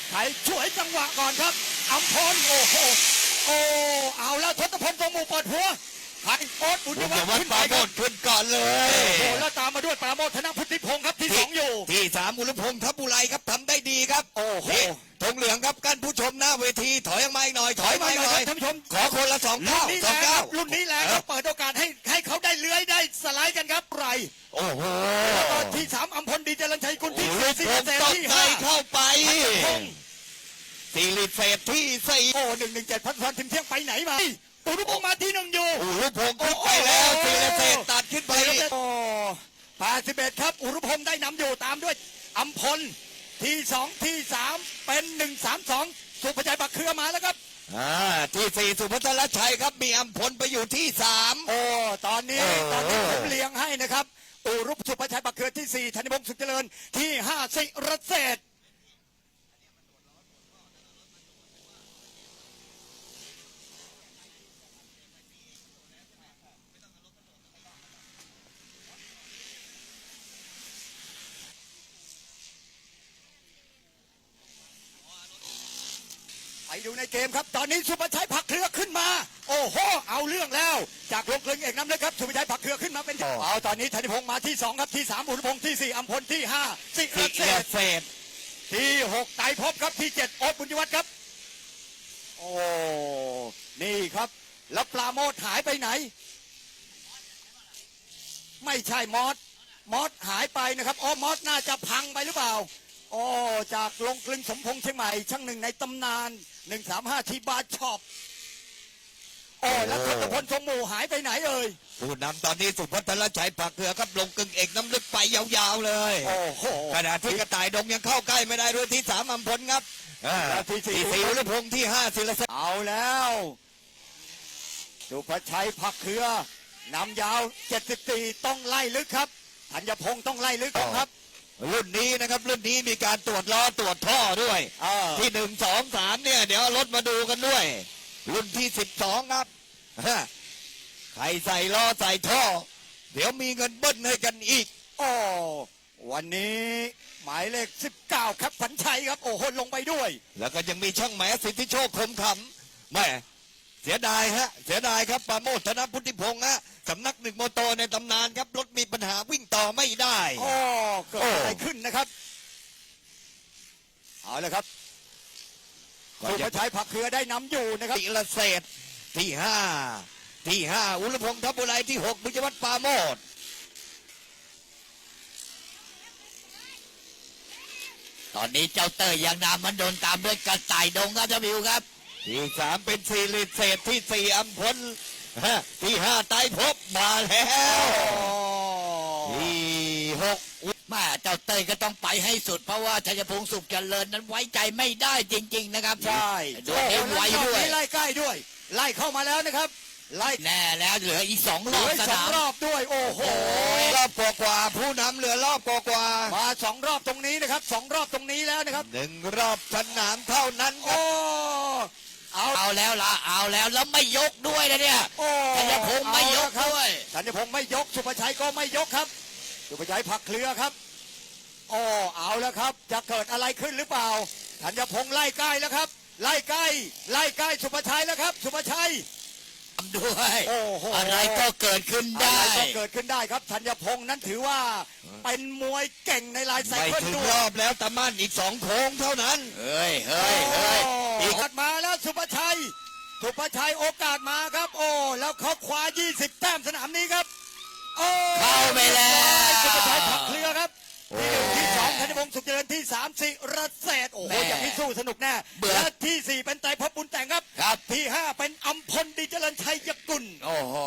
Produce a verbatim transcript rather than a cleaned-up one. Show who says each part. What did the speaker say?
Speaker 1: ไทยช่วยจังหวะก่อนครับอัมพลโอ้โหโอ้เอาแล้วทศพลทรงหมู่เปิดหัวไทยโอ๊ตอุด
Speaker 2: บุญ
Speaker 1: วั
Speaker 2: ย
Speaker 1: ฒน์
Speaker 2: วัฒ
Speaker 1: ขึ้
Speaker 2: น์
Speaker 1: น
Speaker 2: ป
Speaker 1: ไป
Speaker 2: ราโม
Speaker 1: ครับ
Speaker 2: ทขึ้นก่อนเลย
Speaker 1: โอ้แล้วตามมาด้วยปราโมทธนพุทธิพงศ์ครับที่สองอยู่
Speaker 2: ที่สามอุลพงษ์ทัพบุไรครับทำได้ดีครับ
Speaker 1: โอ้โห
Speaker 2: นี่ธงเหลืองครับกันผู้ชมหน้าเวทีถอยออกมาอีกหน่อยถ
Speaker 1: ถ
Speaker 2: อ
Speaker 1: อย ย
Speaker 2: มา
Speaker 1: มา
Speaker 2: อี
Speaker 1: ห
Speaker 2: ก
Speaker 1: น่อย
Speaker 2: หน่อย
Speaker 1: ครับท่านผู้ชม
Speaker 2: ขอคนละสอง
Speaker 1: รุ่
Speaker 2: เก้าน
Speaker 1: นี้
Speaker 2: ส
Speaker 1: แร
Speaker 2: อง
Speaker 1: งค
Speaker 2: เก้า
Speaker 1: รับรุ่นนี้แรงครับเปิดโอกาสให้ให้เขาได้เลื้อยได้สไลด์กันครับไร
Speaker 2: โอ้โห
Speaker 1: แล้วก็ที่สามอัมพลดีเจริญชัยกุลที่
Speaker 2: อุ
Speaker 1: สี่
Speaker 2: ล
Speaker 1: สิบ
Speaker 2: พง
Speaker 1: เปอร์เซ็นต์ที่
Speaker 2: ษ์ตกใจ
Speaker 1: ห้า
Speaker 2: เข้าไป
Speaker 1: พงศ์
Speaker 2: ซีรีเฟสที่สี่
Speaker 1: โอ้หนึ่งหนึ่งเจ็ดพันพันถึงเที่ยงไปไหนมาอุรุพงศ์มาที่หนึ่งอยู่
Speaker 2: อุลพงษ์ขึ้นไปแล้วซีรีเฟสตัดขึ้นไป
Speaker 1: โอ้แปดสิบเอ็ดครับอุรุพงศ์ได้นำอยู่ตามด้วยอัมพลที่สองที่สามเป็นหนึ่งสามสองสุภชัยบักเครือมาแล้วครับ
Speaker 2: อ่าที่สี่สุพัฒนชัยครับมีอัมพลไปอยู่ที่สาม
Speaker 1: โอ้ตอนนี้
Speaker 2: โอ้
Speaker 1: ตอนนี้ผมเลี้ยงให้นะครับอุรุพสุภชัยบักเครือที่สี่ธนิพงศ์สุขเจริญที่ห้าสิรเศษไปดูในเกมครับตอนนี้สุภชัยผักเครือขึ้นมา โอ้โหเอาเรื่องแล้ว จากลงกลึงเอกน้ำเลยครับสุภชัยผักเครือขึ้นมาเป็นเอาตอนนี้ธนิพงศ์มาที่สองครับที่สามอุรุพงศ์ที่สี่อัมพลที่ห้าสิ
Speaker 2: ซี
Speaker 1: รเศ
Speaker 2: รี
Speaker 1: ษ
Speaker 2: เฟส
Speaker 1: ที่หกไต่ภพครับที่เจ็ดโอ๊ตบุญยวัฒน์ครับโอ้นี่ครับแล้วปลาโมดหายไปไหน ไม่ใช่มอสมอสหายไปนะครับอ๋อมอสน่าจะพังไปหรือเปล่าโอ้จากลงกลึงสมพงษ์เชียงใหม่ช่างหนึ่งในตำนานหนึ่งสามห้าทีบาร์ช็อปโอ้แล้วทศพลทรงหมู่หายไปไหนเอ่ย
Speaker 2: ผู้นำตอนนี้สุพัฒนชัยผักเกลือครับลงกึ่งเอกน้ำลึกไปยาวๆเลย
Speaker 1: โอ้โห
Speaker 2: ขณะที่กระต่ายดงยังเข้าใกล้ไม่ได้ด้วยที่สามอัมพลครับอ่า
Speaker 1: แล้วที่สี่
Speaker 2: ที่สี่อุลพงษ์ที่ห้าศิลศักดิ์
Speaker 1: เอาแล้วสุภชัยผักเครือนำยาวเจ็ดสิบสี่ต้องไล่ลึกครับธัญพงศ์ต้องไล่ลึกครับ
Speaker 2: รุ่นนี้นะครับรุ่นนี้มีการตรวจล้อตรวจท่อด้วย
Speaker 1: เออ
Speaker 2: ที่หนึ่งสองสามเนี่ยเดี๋ยวเอารถมาดูกันด้วย รุ่นที่สิบสองครับฮะใครใส่ล้อใส่ท่อ เดี๋ยวมีเงินเบิ้ลให้กันอีก
Speaker 1: โอ้วันนี้หมายเลขสิบเก้าครับฝันชัยครับโอ้โหลงไปด้วย
Speaker 2: แล้วก็ยังมีช่างแหมสิทธิโชคคมขำแม่เสียดายฮะเสียดายครับปราโมทธนพุทธิพงษ์ฮะสำนักหนึ่งโมโตในตำนานครับรถมีปัญหาวิ่งต่อไม่ได้
Speaker 1: โอ้เกิดอะไรขึ้นนะครับเอาเลยครับ
Speaker 2: ก็
Speaker 1: สุ
Speaker 2: จะ
Speaker 1: ภชัยผักเครือได้นำอยู่นะครับ
Speaker 2: ศิลเศษที่ห้าที่ห้าอุลพงษ์ทัพบุไรที่หกบุญวัฒน์ปราโมท
Speaker 3: ตอนนี้เจ้าเตยยังนำมันโดนตามด้วยกระต่ายดงครับท่านผู้ชมครับ
Speaker 2: ที่สามเป็นศิริเศษที่สี่อัมพลฮะที่ห้าไตรภพมาแล้วที่หก
Speaker 3: แม่เจ้าเตยก็ต้องไปให้สุดเพราะว่าชัยพงศ์สุขเจริญนั้นไว้ใจไม่ได้จริง ๆ นะครับ
Speaker 1: ใช่
Speaker 3: โดนเอ็มไว้ด้วย
Speaker 1: ไล่ใกล้ด้วย ไล่เข้ามาแล้วนะครับ ไล่
Speaker 3: แน่แล้วเหลืออีกสอง
Speaker 1: เห
Speaker 3: ร
Speaker 1: ลื
Speaker 3: อบ
Speaker 1: อ
Speaker 3: ส
Speaker 1: สอง
Speaker 3: นาม
Speaker 1: รอบด้วย โอ้โห
Speaker 2: รอบกว่าๆผู้นำเหลือรอบกว่า
Speaker 1: มาสองรอบตรงนี้นะครับสองรอบตรงนี้แล้วนะครับ
Speaker 2: ๆหนึ่งรอบสนามเท่านั้นครั
Speaker 1: โอ้
Speaker 2: บ
Speaker 1: เอา
Speaker 3: เอาแล้วล่ะเอาแล้วแล้วไม่ยกด้วยนะเนี่ย
Speaker 1: โอ้
Speaker 3: ธัญพงศ์ไม่ยก
Speaker 1: เอาละครับ
Speaker 3: ด้วย
Speaker 1: ธัญพงศ์ไม่ยกสุภชัยก็ไม่ยกครับ สุภชัยผักเครือครับโอ้เอาแล้วครับ จะเกิดอะไรขึ้นหรือเปล่าธัญพงศ์ไล่ใกล้แล้วครับ ไล่ใกล้ไล่ใกล้สุภชัยแล้วครับ สุภชัย
Speaker 3: ทำด้วย
Speaker 1: โอ้โห
Speaker 3: อะไรก็เกิดขึ้น
Speaker 1: อะ
Speaker 3: ได้
Speaker 1: ไรก็เกิดขึ้นได้ครับธัญพงศ์นั้นถือว่าเป็นมวยเก่งในลายไซ
Speaker 2: ไม่
Speaker 1: เคิล
Speaker 2: ถึง
Speaker 1: ด้ว
Speaker 2: ร
Speaker 1: ย
Speaker 2: อบแล้วตะมั่นอีกสองโค้งเท่านั้น
Speaker 3: เฮ้ยเฮ้ยเฮ้ย
Speaker 1: อีกมาแล้วสุภชัย สุภชัยโอกาสมาครับ โอ้แล้วเขาคว้ายี่สิบแต้มสนามนี้ครับโอ้
Speaker 3: เข้าไปแล้ว
Speaker 1: สุภชัยผักเครือครับที่หนึ่งที่สองธัญพงศ์สุขเจริญที่สามสิรเศษโอ้โหอย่างนี้สู้สนุกแน่และที่สี่เป็นไตรภพบุญแต่งครับ
Speaker 3: ครับ
Speaker 1: ที่ห้าเป็นอัมพลดีเจริญชัยยกุล
Speaker 3: โอ้โห